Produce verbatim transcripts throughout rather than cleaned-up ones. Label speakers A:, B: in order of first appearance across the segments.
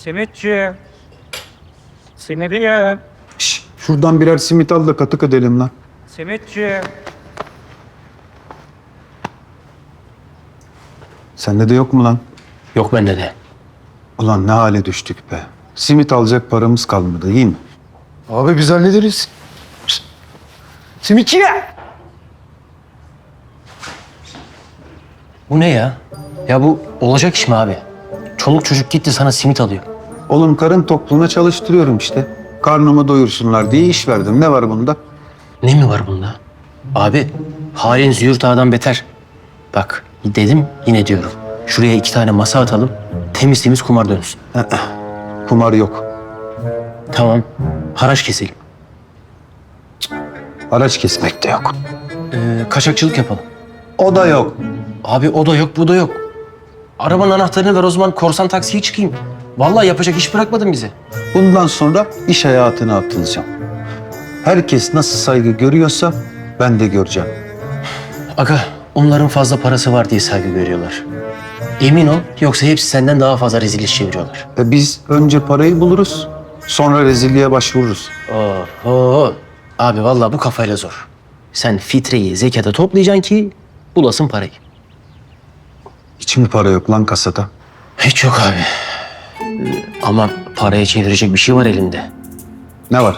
A: Simitçi. Simitçi.
B: Şş, şuradan birer simit al da katık edelim lan.
A: Simitçi.
B: Sende de yok mu lan?
C: Yok bende de.
B: Ulan ne hale düştük be. Simit alacak paramız kalmadı, iyi mi?
D: Abi biz hallederiz. Simitçi ya.
C: Bu ne ya? Ya bu olacak iş mi abi? Çoluk çocuk gitti sana simit alıyor.
B: Oğlum karın tokluğuna çalıştırıyorum işte. Karnımı doyursunlar diye iş verdim. Ne var bunda?
C: Ne mi var bunda? Abi halin züğürt ağadan beter. Bak dedim yine diyorum. Şuraya iki tane masa atalım. Temiz temiz kumar dönsün.
B: Kumar yok.
C: Tamam. Haraç keselim.
B: Araç kesmek de yok.
C: Ee, kaçakçılık yapalım.
B: O da yok.
C: Abi o da yok bu da yok. Arabanın anahtarını ver o zaman korsan taksiye çıkayım. Vallahi yapacak iş bırakmadın bize.
B: Bundan sonra iş hayatına atılacağım. Herkes nasıl saygı görüyorsa ben de göreceğim.
C: Aga onların fazla parası var diye saygı görüyorlar. Emin ol yoksa hepsi senden daha fazla rezil iş çeviriyorlar.
B: E biz önce parayı buluruz, sonra rezilliğe başvururuz.
C: Oho. Abi vallahi bu kafayla zor. Sen fitreyi zekata toplayacaksın ki bulasın parayı.
B: Hiç mi para yok lan kasada?
C: Hiç yok abi. Ee, Ama paraya çevirecek bir şey var elinde.
B: Ne var?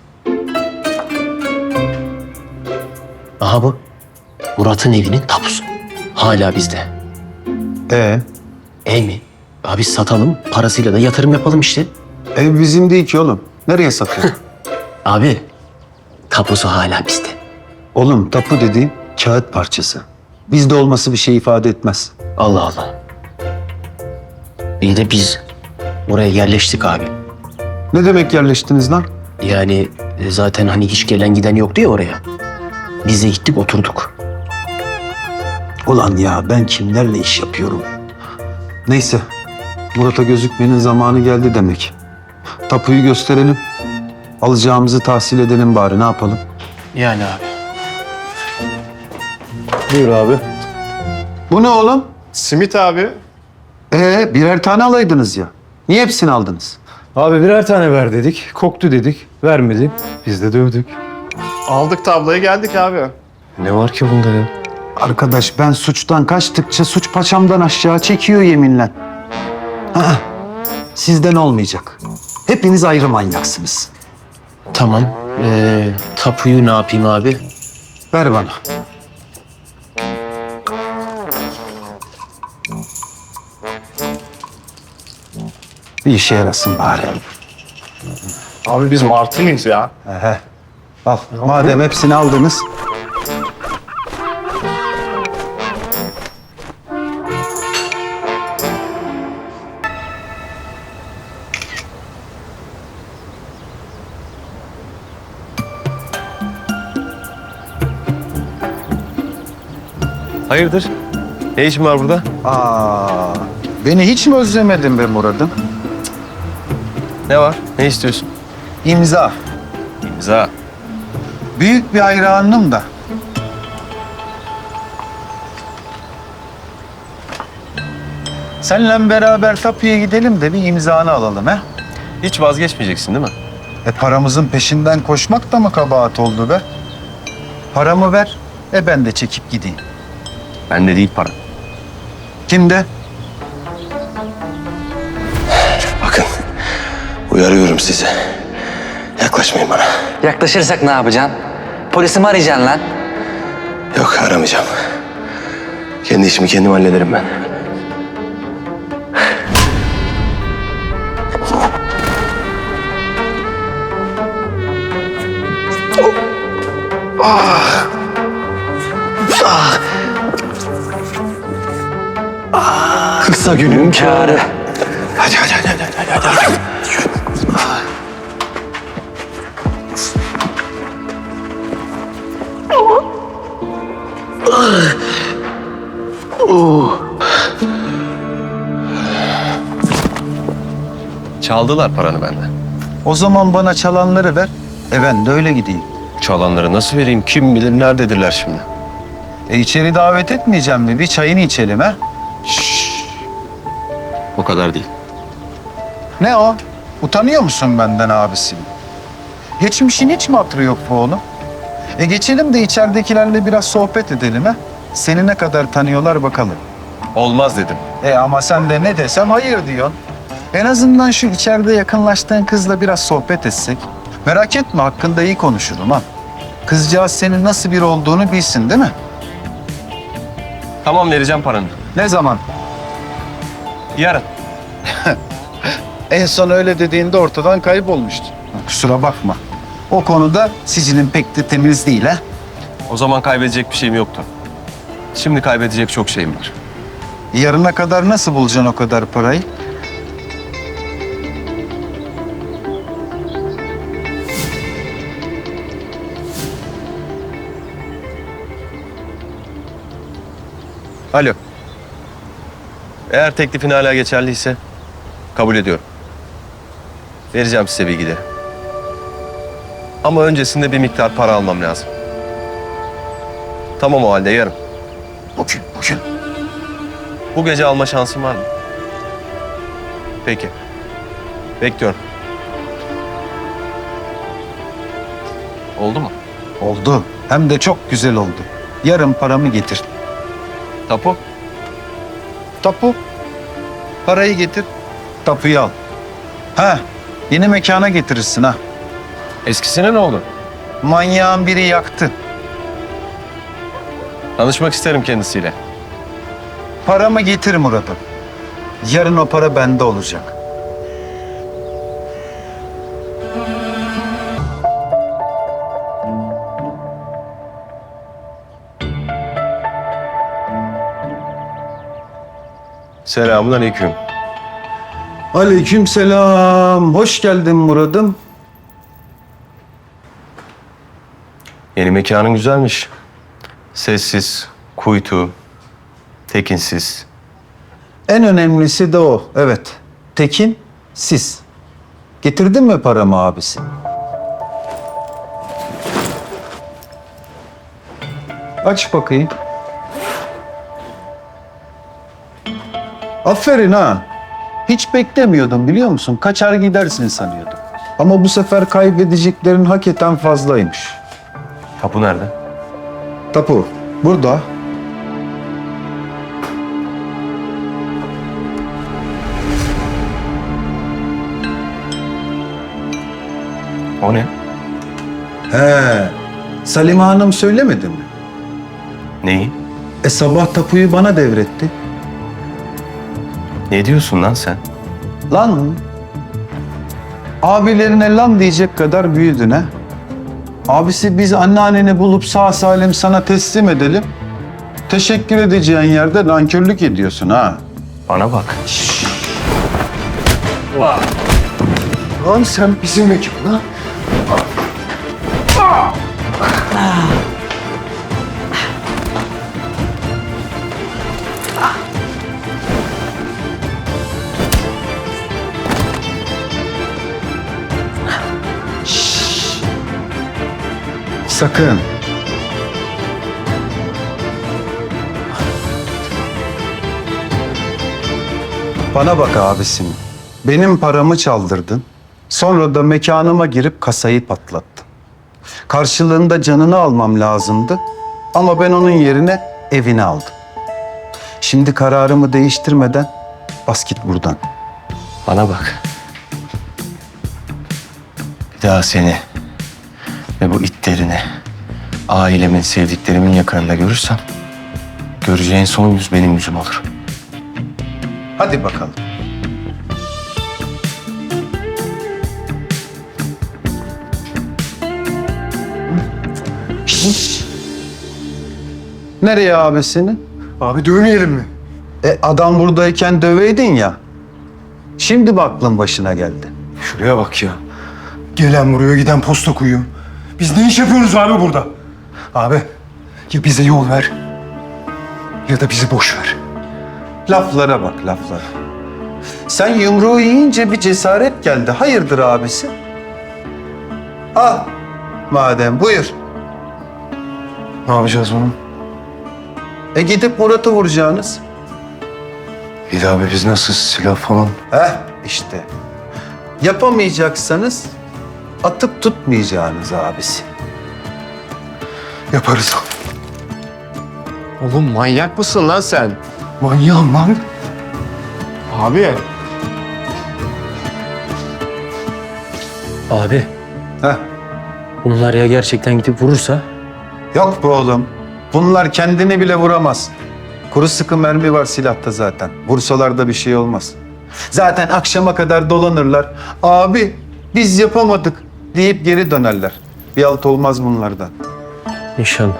C: Aha bu. Murat'ın evinin tapusu. Hala bizde.
B: E
C: Ev mi? Abi satalım, parasıyla da yatırım yapalım işte.
B: ev bizim değil ki oğlum. Nereye satıyor?
C: Abi, tapusu hala bizde.
B: Oğlum tapu dediğin kağıt parçası. Bizde olması bir şey ifade etmez.
C: Allah Allah. İyi de biz oraya yerleştik abi.
B: Ne demek yerleştiniz lan?
C: Yani e, zaten hani hiç gelen giden yoktu ya oraya. Biz de gittik oturduk.
B: Ulan ya ben kimlerle iş yapıyorum? Neyse. Murat'a gözükmenin zamanı geldi demek. Tapuyu gösterelim. Alacağımızı tahsil edelim bari, ne yapalım?
C: Yani abi.
D: Buyur abi.
B: Bu ne oğlum?
D: Simit abi.
B: Ee birer tane alaydınız ya. Niye hepsini aldınız?
D: Abi birer tane ver dedik. Koktu dedik. Vermedi. Biz de dövdük.
E: Aldık tabloya geldik abi.
D: Ne var ki bunda ya?
B: Arkadaş ben suçtan kaçtıkça suç paçamdan aşağı çekiyor yeminle. Aa, sizden olmayacak. Hepiniz ayrı manyaksınız.
C: Tamam. Ee, tapuyu ne yapayım abi?
B: Ver bana. Bir işe yarasın bari.
E: Abi biz martı mıyız ya?
B: Ehe. Al. Madem hepsini aldınız.
D: Hayırdır? Ne işin var burada?
B: Aa, beni hiç mi özlemedin be Murat'ım?
D: Ne var? Ne istiyorsun?
B: İmza.
D: İmza.
B: Büyük bir hayranım da. Seninle beraber tapuya gidelim de bir imzanı alalım he.
D: Hiç vazgeçmeyeceksin değil mi?
B: E paramızın peşinden koşmak da mı kabahat oldu be? Paramı ver, e ben de çekip gideyim.
D: Bende değil para.
B: Kimde?
F: Bakın, uyarıyorum sizi. Yaklaşmayın bana.
G: Yaklaşırsak ne yapacaksın? Polisi mi arayacaksın lan?
F: Yok, aramayacağım. Kendi işimi kendim hallederim ben.
G: Kısa günün kârı.
F: Hadi, hadi, hadi, hadi, hadi, hadi. hadi.
D: Çaldılar paranı benden.
B: O zaman bana çalanları ver, e ben de öyle gideyim.
D: Çalanları nasıl vereyim? Kim bilir nerededirler şimdi?
B: E içeri davet etmeyeceğim mi? Bir çayını içelim ha?
D: O kadar değil.
A: Ne o? Utanıyor musun benden abisin? Geçmişin hiç mi hatırı yok bu oğlum? E geçelim de içeridekilerle biraz sohbet edelim ha. Seni ne kadar tanıyorlar bakalım.
F: Olmaz dedim.
A: E ama sen de ne desem hayır diyorsun. En azından şu içeride yakınlaştığın kızla biraz sohbet etsek. Merak etme, hakkında iyi konuşurum ha. Kızcağız senin nasıl biri olduğunu bilsin değil mi?
F: Tamam, vereceğim paranı.
A: Ne zaman?
F: Yarın.
A: En son öyle dediğinde ortadan kaybolmuştu. Kusura bakma. O konuda sicilin pek de temiz değil ha.
F: O zaman kaybedecek bir şeyim yoktu. Şimdi kaybedecek çok şeyim var.
A: Yarına kadar nasıl bulacaksın o kadar parayı?
F: Alo. Eğer teklifin hala geçerliyse kabul ediyorum. Vereceğim size bilgileri. Ama öncesinde bir miktar para almam lazım. Tamam o halde yarın.
A: Bugün, bugün.
F: Bu gece alma şansın var mı? Peki. Bekliyorum. Oldu mu?
A: Oldu. Hem de çok güzel oldu. Yarın paramı getir.
F: Tapu?
A: Tapu. Parayı getir. Tapuyu al. Ha, yeni mekana getirirsin ha.
F: Eskisine ne oldu?
A: Manyağın biri yaktı.
F: Tanışmak isterim kendisiyle.
A: Paramı getir Murat'ım. Yarın o para bende olacak.
F: Selamun aleyküm.
B: Aleyküm selam. Hoş geldin Murat'ım.
F: Yeni mekanın güzelmiş. Sessiz, kuytu, tekinsiz.
B: En önemlisi de o. Evet. Tekin, siz. Getirdin mi paramı abisi? Aç bakayım. Aferin ha. Hiç beklemiyordum biliyor musun? Kaçar gidersin sanıyordum. Ama bu sefer kaybedeceklerin hakikaten fazlaymış.
F: Tapu nerede?
B: Tapu, burada.
F: O ne?
B: He, Salime Hanım söylemedi mi?
F: Neyi?
B: E sabah tapuyu bana devretti.
F: Ne diyorsun lan sen?
B: Lan, abilerine lan diyecek kadar büyüdün ha. Abisi biz anneanneni bulup sağ salim sana teslim edelim. Teşekkür edeceğin yerde nankörlük ediyorsun ha.
F: Bana bak.
B: Lan sen bizim mekana. Sakın. Bana bak abisim. Benim paramı çaldırdın. Sonra da mekanıma girip kasayı patlattın. Karşılığında canını almam lazımdı. Ama ben onun yerine evini aldım. Şimdi kararımı değiştirmeden bas git buradan.
F: Bana bak. Bir daha seni ve bu itlerini ailemin, sevdiklerimin yakınında görürsem göreceğin son yüz benim yüzüm olur.
B: Hadi bakalım. Şşş! Nereye abisini?
D: Abi dövmeyelim mi?
B: E adam buradayken döveydin ya. Şimdi mi aklın başına geldi?
D: Şuraya bak ya. Gelen vuruyor, giden posta koyuyor. Biz ne iş yapıyoruz abi burada? Abi, ya bize yol ver ya da bizi boş ver.
B: Laflara bak laflara. Sen yumruğu yiyince bir cesaret geldi. Hayırdır abisi? Al. Madem buyur.
D: Ne yapacağız bunu?
B: E gidip Murat'ı vuracaksınız.
D: Bir de abi biz nasıl silah falan?
B: Heh işte. Yapamayacaksanız atıp tutmayacağınız abisi.
D: Yaparız.
E: Oğlum manyak mısın lan sen?
D: Manyağım lan.
E: Abi.
C: Abi
B: Heh.
C: bunlar ya gerçekten gidip vurursa?
B: Yok be oğlum. Bunlar kendini bile vuramaz. Kuru sıkı mermi var silahta zaten. Vursalar da bir şey olmaz. Zaten akşama kadar dolanırlar. Abi biz yapamadık deyip geri dönerler. Bir alt olmaz bunlardan.
C: İnşallah.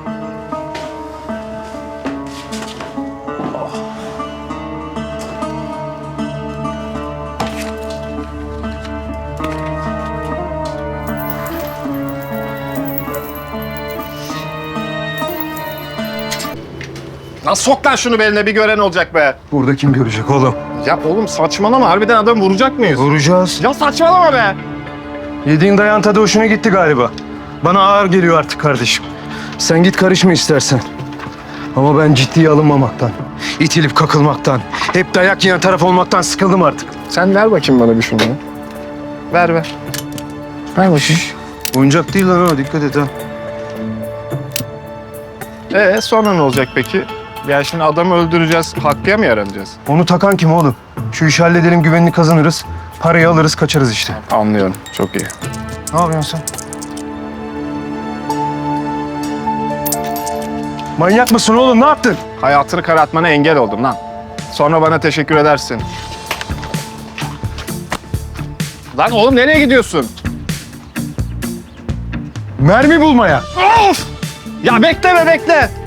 E: Lan sok lan şunu beline, bir gören olacak be.
D: Burada kim görecek oğlum?
E: Ya oğlum saçmalama, harbiden adamı vuracak mıyız?
D: Vuracağız.
E: Ya saçmalama be.
D: Yediğin dayan tadı hoşuna gitti galiba. Bana ağır geliyor artık kardeşim. Sen git karışma istersen. Ama ben ciddiye alınmamaktan, itilip kakılmaktan, hep dayak yiyen taraf olmaktan sıkıldım artık.
E: Sen ver bakayım bana bir şunu. Ver ver. Ver bakayım.
B: Oyuncak değil lan o, dikkat et ha.
E: Ee sonra ne olacak peki? Ya şimdi adamı öldüreceğiz, Hakkı'ya mı yaranacağız?
D: Onu takan kim oğlum? Şu işi halledelim, güvenini kazanırız. Parayı alırız, kaçarız işte.
E: Anlıyorum, çok iyi.
D: Ne yapıyorsun sen? Manyak mısın oğlum? Ne yaptın?
E: Hayatını karartmana engel oldum lan. Sonra bana teşekkür edersin. Lan oğlum nereye gidiyorsun?
D: Mermi bulmaya.
E: Of! Ya bekle be bekle.